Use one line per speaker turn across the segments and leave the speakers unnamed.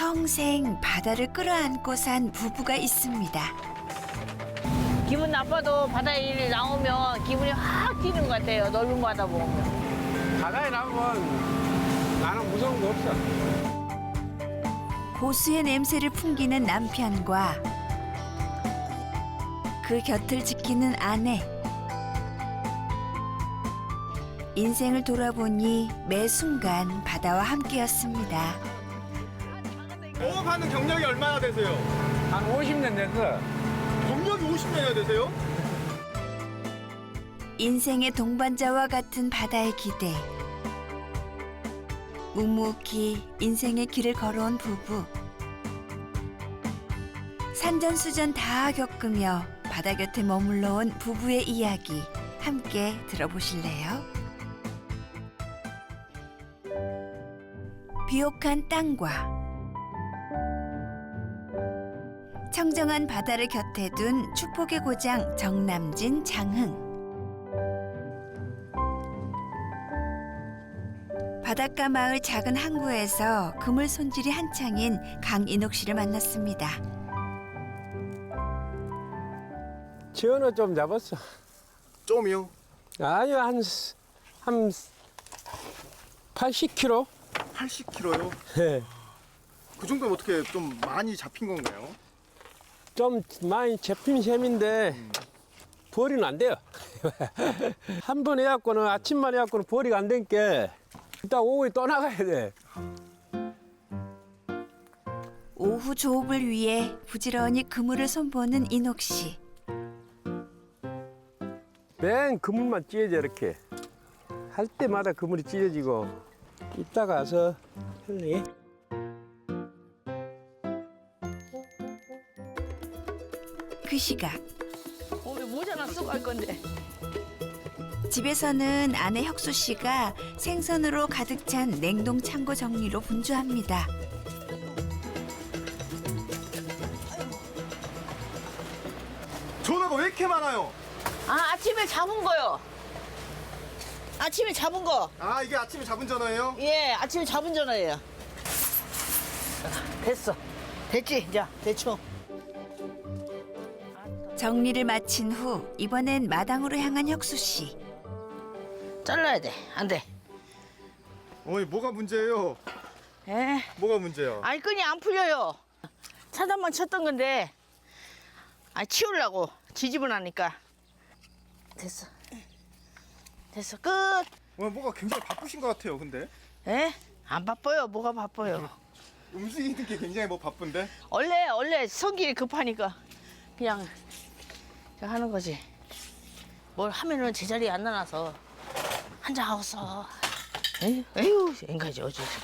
평생 바다를 끌어안고 산 부부가 있습니다.
기분 나빠도 바다에 나오면 기분이 확 뛰는 것 같아요. 넓은 바다 보면.
바다에 나오면 나는 무서운 거 없어.
고수의 냄새를 풍기는 남편과 그 곁을 지키는 아내. 인생을 돌아보니 매 순간 바다와 함께였습니다.
영업하는 경력이 얼마나 되세요?
한 50년 됐어.
경력이 50년이나 되세요?
인생의 동반자와 같은 바다의 기대. 묵묵히 인생의 길을 걸어온 부부. 산전수전 다 겪으며 바다 곁에 머물러 온 부부의 이야기 함께 들어보실래요? 비옥한 땅과 청정한 바다를 곁에 둔 축복의 고장 정남진 장흥. 바닷가 마을 작은 항구에서 그물 손질이 한창인 강인옥 씨를 만났습니다.
지어는 좀 잡았어.
좀이요?
아니요, 한 80kg?
80kg요?
네.
그 정도면 어떻게 좀 많이 잡힌 건가요?
좀 많이 잡힌 셈인데 벌이는 안 돼요. 한 번 해갖고는 아침만 해갖고는 벌이가 안 되니까 이따 오후에 떠나가야 돼.
오후 조업을 위해 부지런히 그물을 손보는 인옥 씨.
맨 그물만 찢어져 이렇게. 할 때마다 그물이 찢어지고 이따 가서 할래?
그 시각
우리 모자나 쓰고 할 건데.
집에서는 아내 혁수 씨가 생선으로 가득 찬 냉동 창고 정리로 분주합니다.
전화가 왜 이렇게 많아요?
아, 아침에 잡은 거요. 아침에 잡은 거.
아, 이게 아침에 잡은 전화예요?
예, 아침에 잡은 전화예요. 됐어. 됐지? 이제 대충.
정리를 마친 후 이번엔 마당으로 향한 혁수 씨.
잘라야 돼. 안 돼.
어머니, 뭐가 문제예요?
에?
뭐가 문제야?
아니, 끈이 안 풀려요. 차단만 쳤던 건데, 치우려고 지지분하니까. 됐어. 됐어. 끝.
어머니, 뭐가 굉장히 바쁘신 것 같아요, 근데.
에? 안 바빠요. 뭐가 바빠요.
움직이는 게 굉장히 뭐 바쁜데?
원래 성질이 급하니까 그냥 저 하는 거지. 뭘 하면은 제자리에 안 나눠서 한잔 하고서. 에휴, 인가지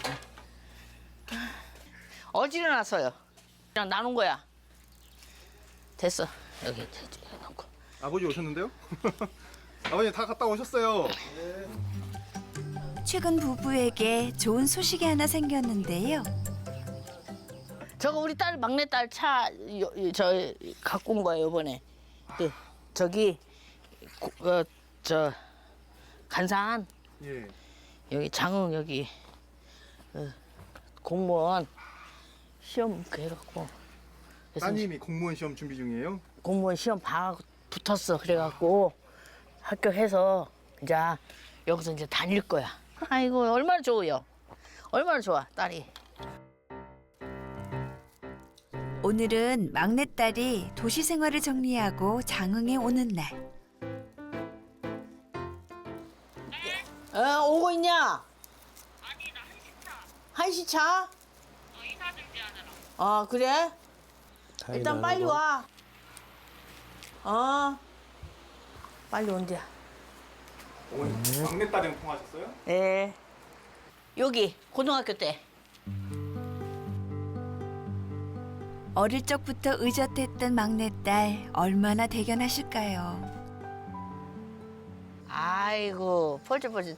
어지러놨어요. 그냥 나눈 거야. 됐어. 여기 놓고.
아버지 오셨는데요? 아버님 다 갔다 오셨어요.
최근 부부에게 좋은 소식이 하나 생겼는데요.
저거 우리 딸 막내딸 차 저 갖고 온 거예요 이번에. 저기 저 간산
예.
여기 장흥 여기 공무원 시험 그 해갖고 그래서
따님이 공무원 시험 준비 중이에요?
공무원 시험 붙었어. 그래갖고 합격해서 이제 여기서 이제 다닐 거야. 아이고 얼마나 좋아요. 얼마나 좋아 딸이.
오늘은 막내딸이 도시 생활을 정리하고 장흥에 오는 날.
오고 있냐? 아니 나 한시 차. 이사 준비하느라. 아 그래? 일단 빨리 와. 빨리 온대야.
어머니, 막내딸이랑 통화하셨어요?
예. 여기 고등학교 때.
어릴 적부터 의젓했던 막내딸 얼마나 대견하실까요?
아이고 펄쩍펄쩍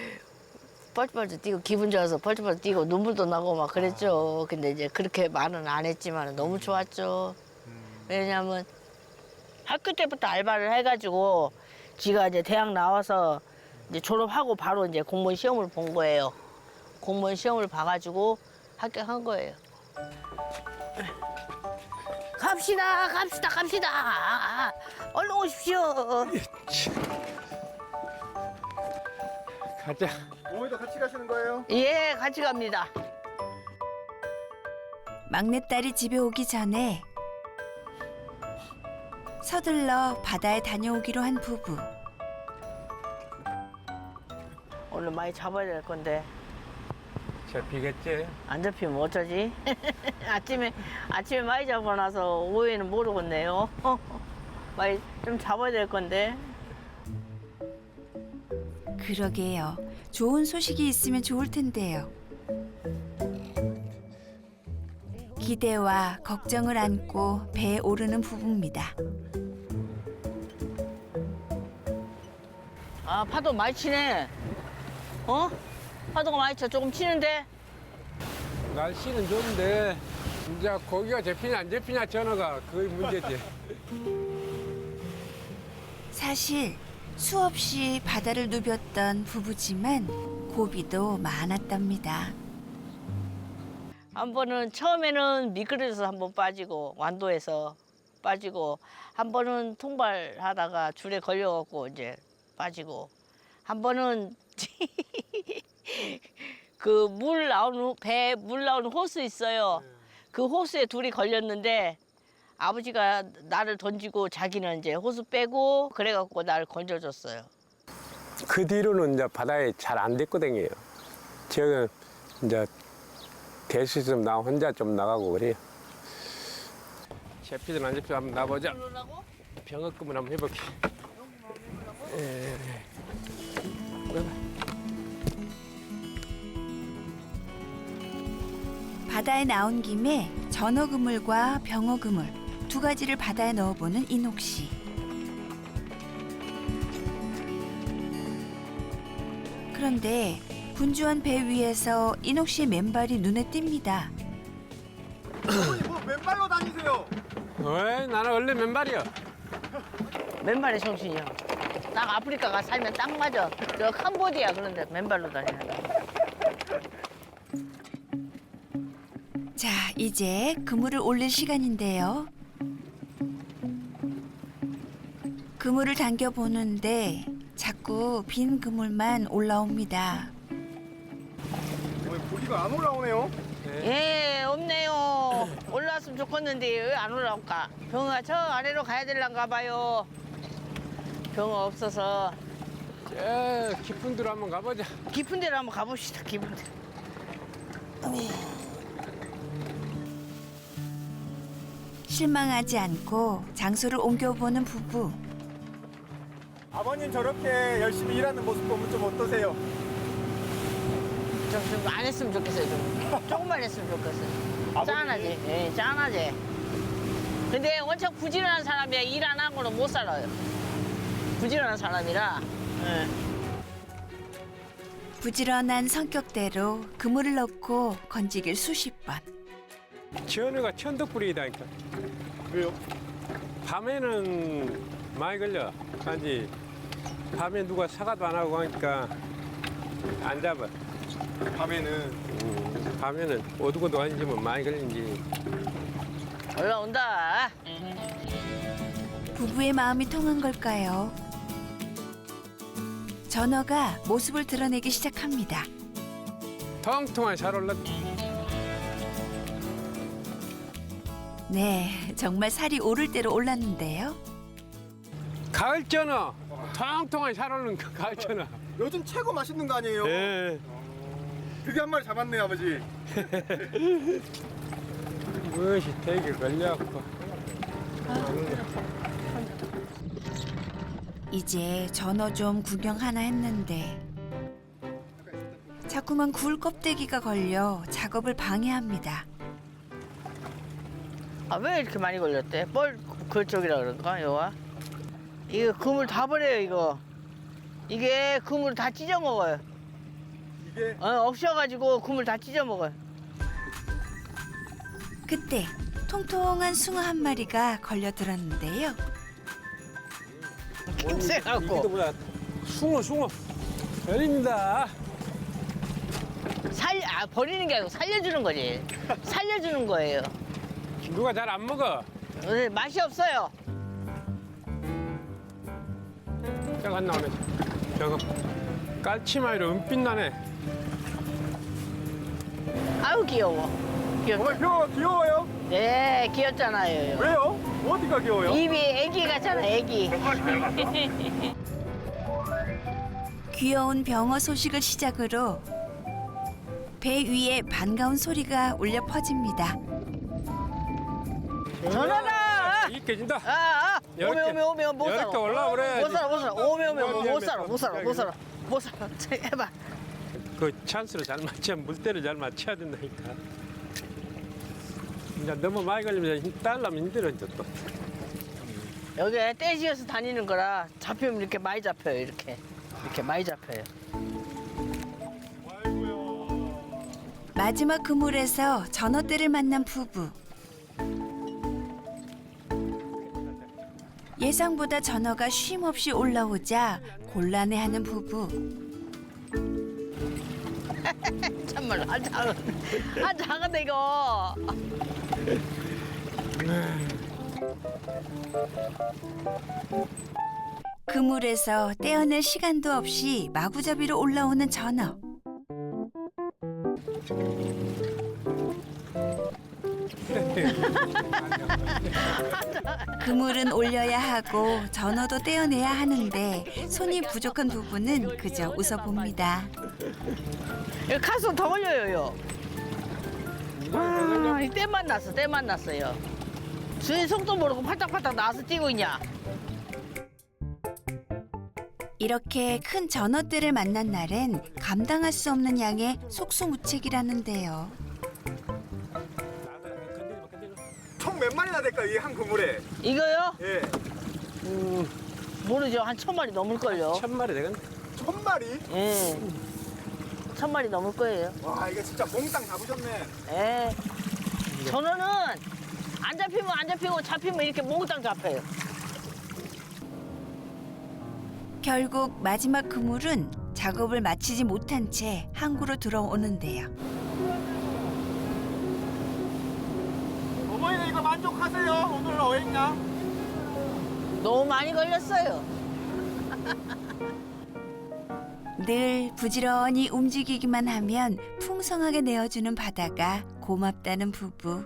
뛰고 기분 좋아서 펄쩍펄쩍 뛰고 눈물도 나고 막 그랬죠. 근데 이제 그렇게 말은 안 했지만 너무 좋았죠. 왜냐면 학교 때부터 알바를 해가지고 지가 이제 대학 나와서 이제 졸업하고 바로 이제 공무원 시험을 본 거예요. 공무원 시험을 봐가지고 합격한 거예요. 갑시다. 얼른 오십시오.
가자.
어머니도 같이 가시는 거예요?
예, 같이 갑니다.
막내딸이 집에 오기 전에 서둘러 바다에 다녀오기로 한 부부.
오늘 많이 잡아야 될 건데
잡히겠지?
안 잡히면 어쩌지? 아침에 많이 잡아놔서 오후에는 모르겠네요. 많이 좀 잡아야 될 건데.
그러게요. 좋은 소식이 있으면 좋을 텐데요. 기대와 걱정을 안고 배에 오르는 부부입니다.
아, 파도 많이 치네. 어? 파도가 많이 쳐. 조금 치는데.
날씨는 좋은데 이제 고기가 잡히냐 안 잡히냐 전화가 그게 문제지.
사실 수없이 바다를 누볐던 부부지만 고비도 많았답니다.
한 번은 처음에는 미끄러져서 한 번 빠지고 완도에서 빠지고 한 번은 통발하다가 줄에 걸려갖고 이제 빠지고 한 번은 그 배 물 나오는 호수 있어요. 그 호수에 둘이 걸렸는데 아버지가 나를 던지고 자기는 이제 호수 빼고 그래갖고 나를 건져줬어요.
그 뒤로는 이제 바다에 잘 안 됐거든요. 제가 이제 대수 좀 나 혼자 좀 나가고 그래요. 잡히든 안 잡히든 한번 나보자. 병역금을 한번 해볼게.
바다에 나온 김에 전어그물과 병어그물 두 가지를 바다에 넣어보는 인옥 씨. 그런데 분주한 배 위에서 인옥 씨의 맨발이 눈에 띕니다.
어머니 뭐 맨발로 다니세요?
왜? 나는 원래 맨발이야.
맨발의 정신이요. 딱 아프리카 가 살면 딱 맞아. 저 캄보디아 그런데 맨발로 다니는 거.
자, 이제 그물을 올릴 시간인데요. 그물을 당겨 보는데 자꾸 빈 그물만 올라옵니다.
어머니 고기가 안 올라오네요.
예, 없네요. 올라왔으면 좋겠는데 왜 안 올라올까? 병어가 저 아래로 가야 될란가 봐요. 병어 없어서
저 깊은 데로 한번 가보자.
깊은 데로 한번 가봅시다. 깊은 데.
실망하지 않고 장소를 옮겨보는 부부.
아버님 저렇게 열심히 일하는 모습 보면 좀 어떠세요?
좀 안 했으면 좋겠어요. 좀 조금만 했으면 좋겠어요. 짠하지. 예, 짠하지. 근데 원체 부지런한 사람이야 일 안 한 거는 못 살아요. 부지런한 사람이라. 예.
부지런한 성격대로 그물을 넣고 건지길 수십 번.
전어가 천덕불이다니까.
왜요?
밤에는 많이 걸려. 단지 밤에 누가 사과도 안 하고 하니까 안 잡아. 밤에는 어두고도 아니지만 많이 걸린지.
올라온다.
부부의 마음이 통한 걸까요? 전어가 모습을 드러내기 시작합니다.
통통하게 잘 올랐.
네, 정말 살이 오를 대로 올랐는데요.
가을 전어. 통통하게 잘 오른 가을 전어.
요즘 최고 맛있는 거 아니에요?
예.
그게 한 마리 잡았네요 아버지.
무엇이 되게 걸려갖고.
이제 전어 좀 구경하나 했는데 자꾸만 굴 껍데기가 걸려 작업을 방해합니다.
아, 왜 이렇게 많이 걸렸대? 뻘 그쪽이라 그런가, 여와? 이거 그물 다 버려요, 이거. 이게 그물 다 찢어 먹어요.
이게
없어가지고 그물 다 찢어 먹어요.
그때 통통한 숭어 한 마리가 걸려들었는데요.
쎄갖고.
이기도보다 숭어. 열립니다.
버리는 게 아니고 살려주는 거지. 살려주는 거예요.
누가 잘 안 먹어.
맛이 없어요.
저거 안 나오네. 저거 깔치마이로 은빛 나네.
아유 귀여워. 귀엽다.
어머니 귀여워요?
네, 귀엽잖아요.
왜요? 어디가 귀여워요?
입이 애기 같잖아, 애기.
귀여운 병어 소식을 시작으로 배 위에 반가운 소리가 울려 퍼집니다.
전화다!
이게 진다.
오메, 못 살아.
이렇게 올라와 그래.
못 살아. 오메, 못 살아. 해봐.
그 찬스를 잘 맞춰야 물때를 잘 맞춰야 된다니까. 이제 너무 많이 걸리면 딸라면 힘들어 이제 또.
여기 떼지어서 다니는 거라 잡히면 이렇게 많이 잡혀요, 이렇게 많이 잡혀요.
마지막 그물에서 전어떼를 만난 부부. 예상보다 전어가 쉼없이 올라오자 곤란해하는 부부.
참말로 작은데 이거.
그물에서 떼어낼 시간도 없이 마구잡이로 올라오는 전어. 그물은 올려야 하고 전어도 떼어내야 하는데 손이 부족한 부부는 그저 웃어봅니다.
여기 가서 더 걸려요. 와, 이 때만 났어요. 주인 속도 모르고 팔딱팔딱 나와서 뛰고 있냐?
이렇게 큰 전어떼를 만난 날엔 감당할 수 없는 양의 속수무책이라는데요.
총 몇 마리나 될까 이 한 그물에?
이거요?
예.
모르죠. 한 1000마리 넘을걸요.
1000마리 되겠네.
1000마리?
예. 1000마리 넘을 거예요.
와 이게 진짜 몽땅 잡으셨네.
예. 전어는 안 잡히면 안 잡히고 잡히면 이렇게 몽땅 잡혀요.
결국 마지막 그물은 작업을 마치지 못한 채 항구로 들어오는데요.
어머니는 이거 만족하세요? 오늘 어획량?
너무 많이 걸렸어요.
늘 부지런히 움직이기만 하면 풍성하게 내어주는 바다가 고맙다는 부부.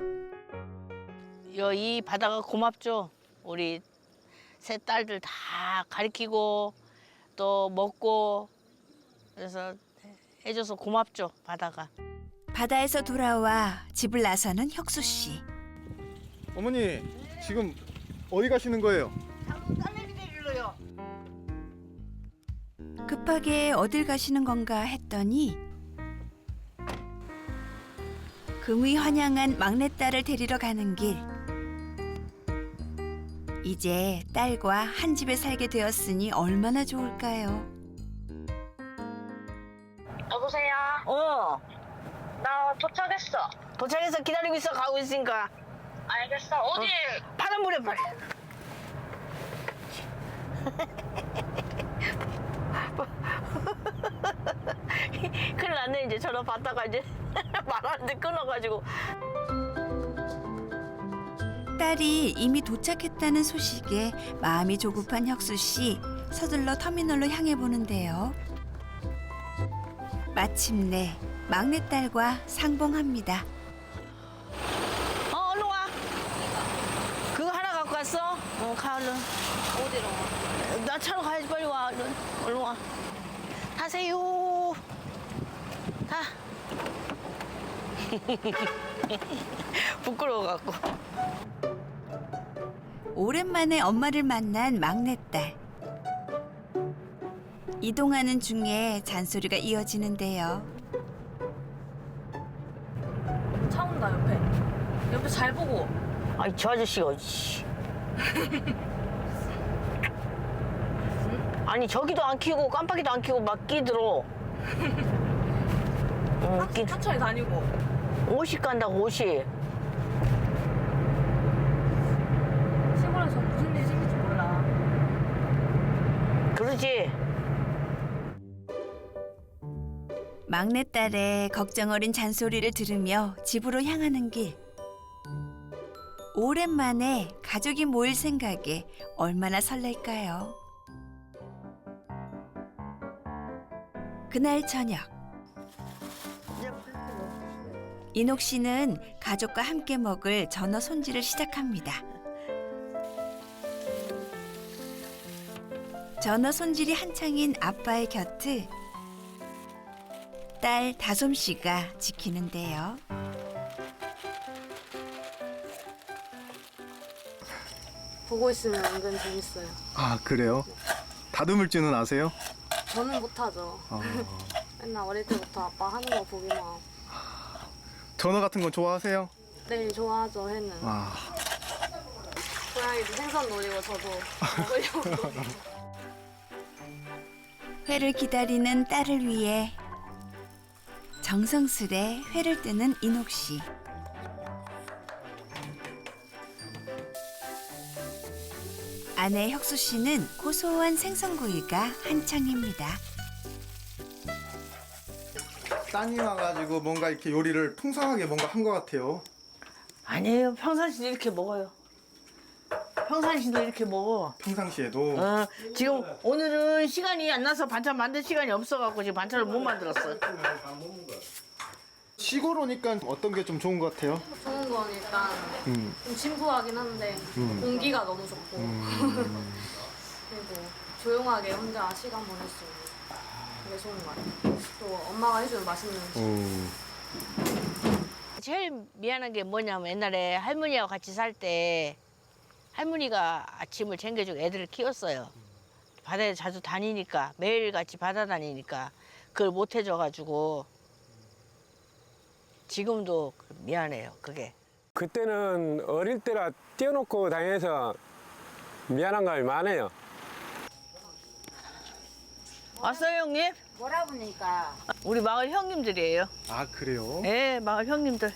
이 바다가 고맙죠. 우리 세 딸들 다 가르치고 또 먹고 그래서 해줘서 고맙죠, 바다가.
바다에서 돌아와 집을 나서는 혁수 씨.
어머니 지금 어디 가시는 거예요?
딸내미 데리러요.
급하게 어딜 가시는 건가 했더니 금이 환영한 막내딸을 데리러 가는 길. 이제 딸과 한 집에 살게 되었으니 얼마나 좋을까요?
여보세요? 나 도착했어.
도착해서 기다리고 있어. 가고 있으니까.
알겠어. 어디?
파란불에 빨리. 큰일 났네. 이제 전화 받다가 이제 말하는데 끊어가지고.
딸이 이미 도착했다는 소식에 마음이 조급한 혁수 씨 서둘러 터미널로 향해 보는데요. 마침내 막내딸과 상봉합니다.
얼른 와. 그거 하나 갖고 왔어? 가 얼른.
어디로?
나 차로 가야지. 빨리 와. 얼른 와. 타세요. 타. 부끄러워갖고.
오랜만에 엄마를 만난 막내딸. 이동하는 중에 잔소리가 이어지는데요.
차 온다, 옆에 잘 보고.
아이 저 아저씨가 씨. 아니 저기도 안 키고 깜빡이도 안 키고 막 끼들어.
천천히 다니고.
50 간다고 50.
시골에서 무슨 일 생길지 몰라.
그러지.
막내딸의 걱정 어린 잔소리를 들으며 집으로 향하는 길. 오랜만에 가족이 모일 생각에 얼마나 설렐까요? 그날 저녁. 인옥 씨는 가족과 함께 먹을 전어 손질을 시작합니다. 전어 손질이 한창인 아빠의 곁을 딸 다솜 씨가 지키는데요.
보고 있으면 은근 재밌어요.
아 그래요? 다듬을 줄은 아세요?
저는 못하죠. 맨날 어릴 때부터 아빠 하는 거 보기만 하고.
전어 같은 거 좋아하세요?
네, 좋아하죠, 회는.
아
고양이도 생선 노리고 저도 먹으려고 노리고.
회를 기다리는 딸을 위해 정성스레 회를 뜨는 인옥 씨. 아내 혁수 씨는 고소한 생선구이가 한창입니다.
따님 와가지고 뭔가 이렇게 요리를 풍성하게 뭔가 한 것 같아요.
아니에요. 평상시도 이렇게 먹어요. 평상시도 이렇게 먹어.
평상시에도.
지금 오늘은 시간이 안 나서 반찬 만들 시간이 없어갖고 지금 반찬을 못 만들었어.
시골 오니까 어떤 게 좀 좋은 것 같아요?
좋은 건 일단 좀 진부하긴 한데 공기가 너무 좋고 그리고 조용하게 혼자 시간 보낼 수 있는 그게 좋은 것 같아요. 또 엄마가 해주는 맛있는 음식.
제일 미안한 게 뭐냐면 옛날에 할머니하고 같이 살 때 할머니가 아침을 챙겨주고 애들을 키웠어요. 바다에 자주 다니니까 매일 같이 바다 다니니까 그걸 못 해줘가지고 지금도 미안해요. 그게.
그때는 어릴 때라 띄워놓고 다녀서 미안한 감이 많아요.
왔어요 형님?
뭐라 보니까
우리 마을 형님들이에요.
아 그래요?
네, 마을 형님들.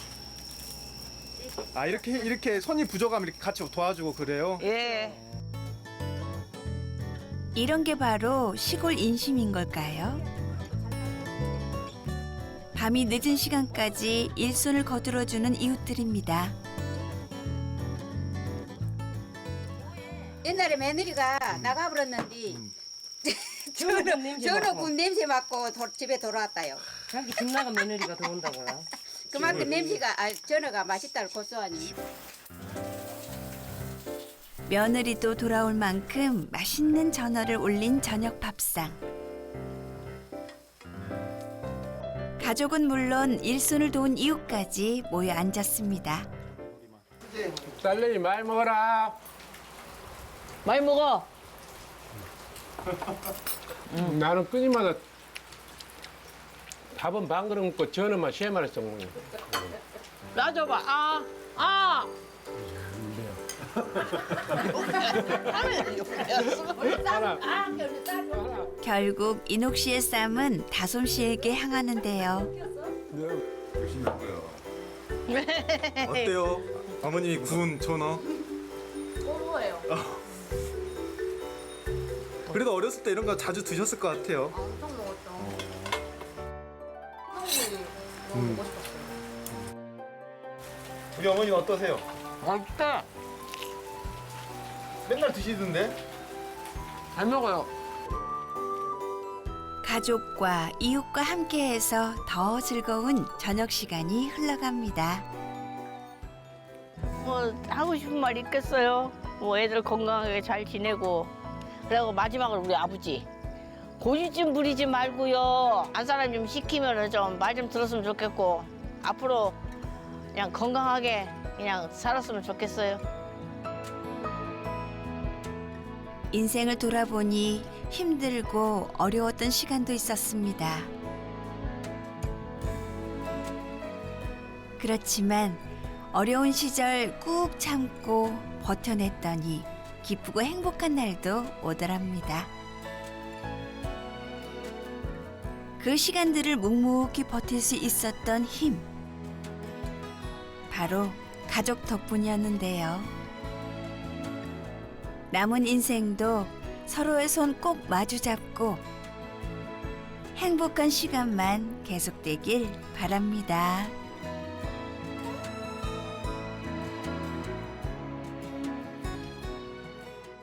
아 이렇게 손이 부족하면 이렇게 같이 도와주고 그래요?
예.
이런 게 바로 시골 인심인 걸까요? 밤이 늦은 시간까지 일손을 거들어주는 이웃들입니다.
옛날에 며느리가 나가버렸는데 전어 군 냄새 맡고 집에 돌아왔다요.
자기 집 나간 며느리가 들어온다고요?
그만큼 냄새가 전어가 맛있다고 고소하니.
며느리도 돌아올 만큼 맛있는 전어를 올린 저녁 밥상. 가족은 물론 일손을 도운 이웃까지 모여 앉았습니다.
딸내미 많이 먹어라.
많이 먹어.
나는 끊임마다 밥은 반 그릇 먹고 전어만 3마리씩 먹는 거야.
놔줘봐. 아.
결국 인옥 씨의 쌈은 다솜 씨에게 향하는데요.
어때요? 어머님이 구운 전어?
꼬로예요.
그래도 어렸을 때 이런 거 자주 드셨을 것 같아요.
엄청 먹었죠. 선생님이 너무 먹고 싶었어요.
우리 어머니는 어떠세요?
맛있다.
맨날 드시던데?
잘 먹어요.
가족과 이웃과 함께해서 더 즐거운 저녁 시간이 흘러갑니다.
뭐 하고 싶은 말 있겠어요. 뭐 애들 건강하게 잘 지내고. 그리고 마지막으로 우리 아버지 고집좀 부리지 말고요. 안 사람 좀 시키면은 좀 말 좀 들었으면 좋겠고 앞으로 그냥 건강하게 그냥 살았으면 좋겠어요.
인생을 돌아보니 힘들고 어려웠던 시간도 있었습니다. 그렇지만 어려운 시절 꾹 참고 버텨냈더니 기쁘고 행복한 날도 오더랍니다. 그 시간들을 묵묵히 버틸 수 있었던 힘. 바로 가족 덕분이었는데요. 남은 인생도 서로의 손 꼭 마주 잡고 행복한 시간만 계속되길 바랍니다.